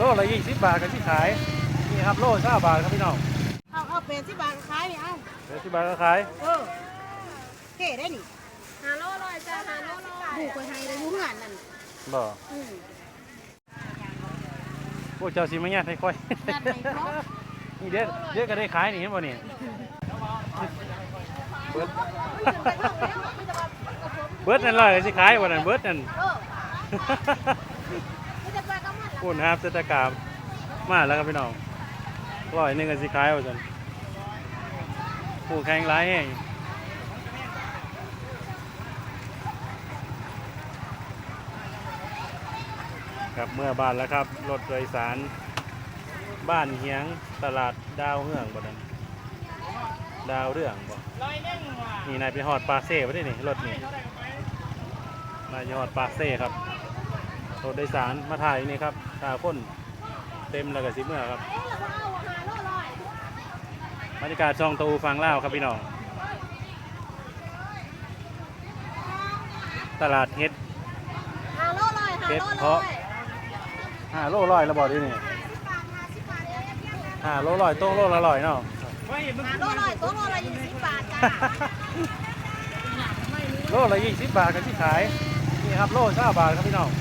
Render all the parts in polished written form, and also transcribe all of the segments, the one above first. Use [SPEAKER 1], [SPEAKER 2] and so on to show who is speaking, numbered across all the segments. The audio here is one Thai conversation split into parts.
[SPEAKER 1] ละ20 บาทกันที่ขายนี่ครับโล20 บาทครับพี่น้อง
[SPEAKER 2] เอา80 บาทขายนี่เอา
[SPEAKER 1] 80 บาทก็ขาย
[SPEAKER 2] เท่ได้นี่500จ้า500บุกไปให้ได้อยู่เฮือนนั่น
[SPEAKER 1] บ่พวกเจ้าสิมาญาติให้ค่อยนี่เด็ดก็ได้ขายนี่เห็นบ่นี่เบิดนั่นเลยสิขายวันนั้นเบิดนั่นพูดนะครับเศรษฐกรรมมาแล้วครับพี่น้อง100กันสิขายว่าจันผู้แข่งร้ายแห้งกับเมื่อบ้านแล้วครับรถโดยสารบ้านเฮียงตลาดดาวเฮืองบ่นั้นดาวเรื่องบ่นี่นายไปหอดปากเซ่ไปได้นี่รถนี่นายไปหอดปากเซ่ครับรถโดยสารมาถ่ายนี่ครับถ่ายคนเต็มแล้วก็สิเมื่อครับบรรยากาศช่องตูฟังเล่าครับพี่น้องตลาดเฮ็ดเพาะ5 โล100แล้วบอกดินี่5 โล100โต๊ะโลละ100เนาะ
[SPEAKER 2] 5โล100โต๊ะโลละ20 บาทจ้า
[SPEAKER 1] โลละ20 บาทกันที่ขายนี่ครับโล20 บาทครับพี่น้อง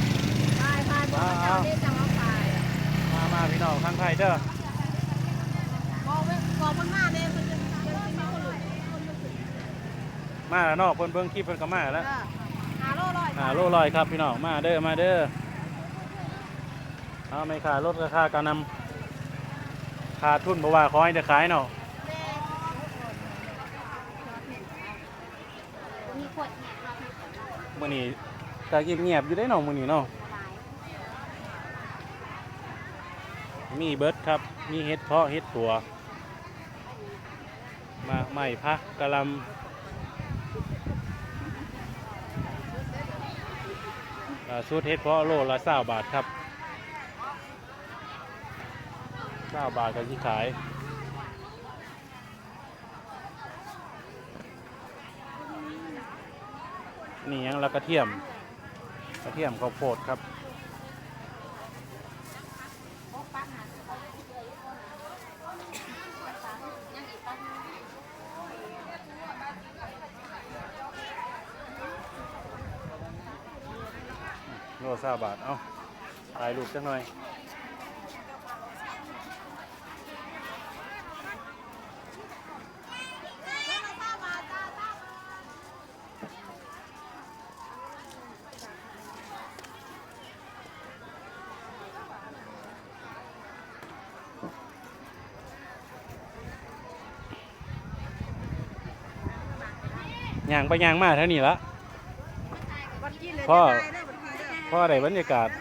[SPEAKER 1] มาพี่น้องทางไทยเด้อมาแล้วเนาะเพิ่นเบิ่งคลิปเพิ่นก็มาแล้ว5 โล100ครับพี่น้องมาเด้อเอาไม่ค่ารถราคาการนำค่าทุนบ่ว่าขอให้ได้ขายเนาะมื้อนี้ก็เงียบๆอยู่ได้เนาะมื้อนี้เนาะมีเบิดครับมีเฮ็ดเพาะเฮ็ดตัวมาใหม่พักกะลำสูตรเฮ็ดเพาะโลละ20 บาทครับ20 บาทกันที่ขายนี่ยังละกระเทียมข้าวโพดครับโล20 บาทเอ้าถ่ายรูปจังหน่อยย่างไปย่างมาเท่านี้ละพ่อได้บรรยากาศ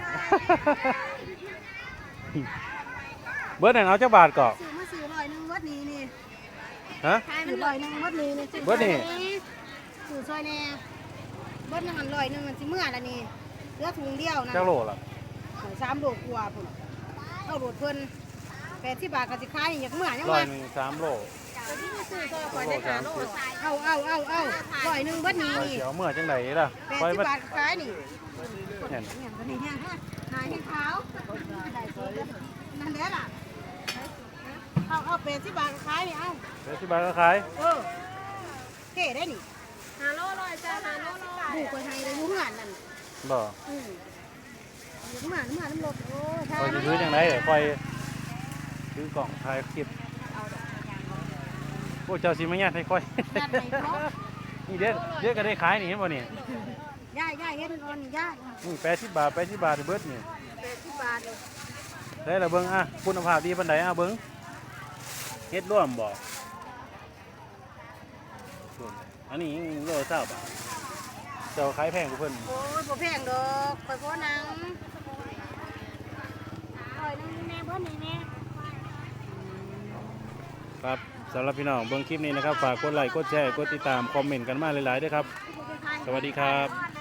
[SPEAKER 1] เบิร์ดนั่นเอาจักบาทก่อน
[SPEAKER 2] ซื้อ100วัดนี้นี่
[SPEAKER 1] ฮะ
[SPEAKER 2] ซื้อ100วัดนี้นี่
[SPEAKER 1] เบิร์ดนี่
[SPEAKER 2] ซื้อซอยแน่เบิร์ดนั่น100มันสิเมื่อละนี่เหลือถุงเดียวนะ
[SPEAKER 1] จักโลล่ะ
[SPEAKER 2] 3 โลกว่าพุ่นเอาโดดเพิ่น80 บาทก็สิขายอยากเมื่อยัง
[SPEAKER 1] ว่า
[SPEAKER 2] ว่า
[SPEAKER 1] 3 โล
[SPEAKER 2] ซื้อซอยข่อยได้5 โลเอา100วัดนี้นี่
[SPEAKER 1] เดี๋ยวเมื่อจังไดล่ะ
[SPEAKER 2] 80 บาทขายนี่
[SPEAKER 1] เห็น
[SPEAKER 2] หายขาวนั่นแหละล่ะเอา80 บาทขายนี่เอา
[SPEAKER 1] 80 บาทก็ขาย
[SPEAKER 2] เท่ได้นี่5 โล100จ้า5 โล100บุกไปให้ได้อยู่เฮือนนั่น
[SPEAKER 1] บ่
[SPEAKER 2] อยู่เฮือนน้ำรถโอ้
[SPEAKER 1] คอยซื้อจังไดเดี๋ยวคอยซื้อกล่องถ่ายคลิปพวกเจ้าสิมาญาติให้ค่อยนี่เด็ดก็ได้ขายนี่เห็นบ่นี่
[SPEAKER 2] ย่าเฮ็ดอ่อนย่า
[SPEAKER 1] นี่80 บาทเบิดนี่
[SPEAKER 2] 80 บาท
[SPEAKER 1] ได้ละเบิ่งคุณภาพดีปานใดเบิ่งเฮ็ดร่วมบ่อันนี้โลละ20 บาทเจ้าขายแพงกว่าเพิ่น
[SPEAKER 2] โอ้ยบ่แพงดอกข่อยบ่นัง100แน่บ่นี่แน่
[SPEAKER 1] ครับสำหรับพี่น้องเบิ่งคลิปนี้นะครับฝากกดไลค์กดแชร์กดติดตามคอมเมนต์กันมาหลายๆด้วยครับสวัสดีครับ